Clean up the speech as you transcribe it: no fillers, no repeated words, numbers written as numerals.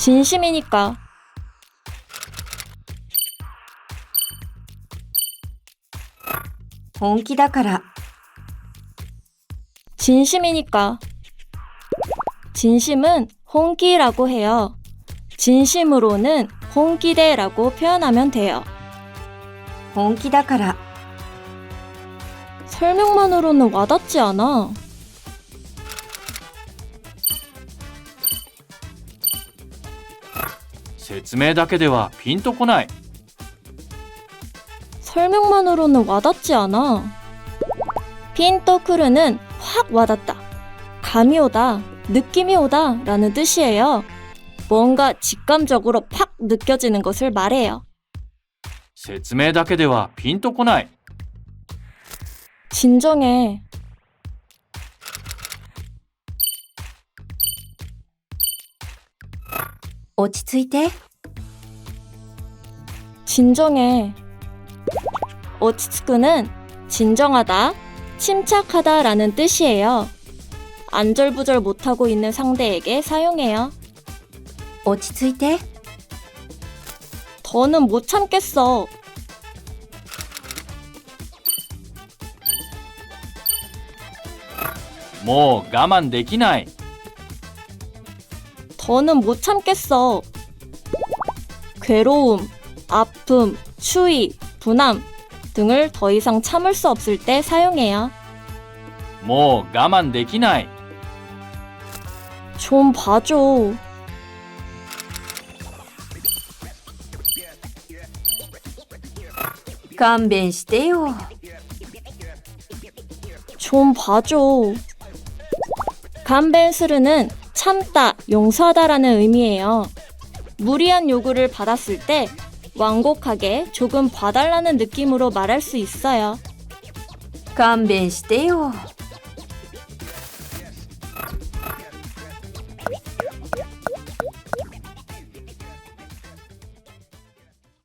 진심이니까. 本気だから 진심이니까. 진심은 홍기라고 해요. 진심으로는 홍기대라고 표현하면 돼요. 本気だから 설명만으로는 와닿지 않아. 説明だけではピンとこない。 설명만으로는 와닿지 않아. 핀토크르는 확 와닿다, 감이 오다, 느낌이 오다 라는 뜻이에요. 뭔가 직감적으로 팍 느껴지는 것을 말해요. 説明だけではピンとこない。 진정해. 오落ち着いて 진정해. 오치츠쿠는 진정하다, 침착하다 라는 뜻이에요. 안절부절 못하고 있는 상대에게 사용해요. 落ち着いて 더는 못 참겠어. もう我慢できない。 더는 못 참겠어. 괴로움, 아픔, 추위, 분함 등을 더 이상 참을 수 없을 때 사용해요. もう我慢できない。 좀 봐줘. 勘弁してよ 좀 봐줘. 간벤스르는 참다, 용서하다라는 의미예요. 무리한 요구를 받았을 때 완곡하게 조금 봐달라는 느낌으로 말할 수 있어요. 勘弁してよ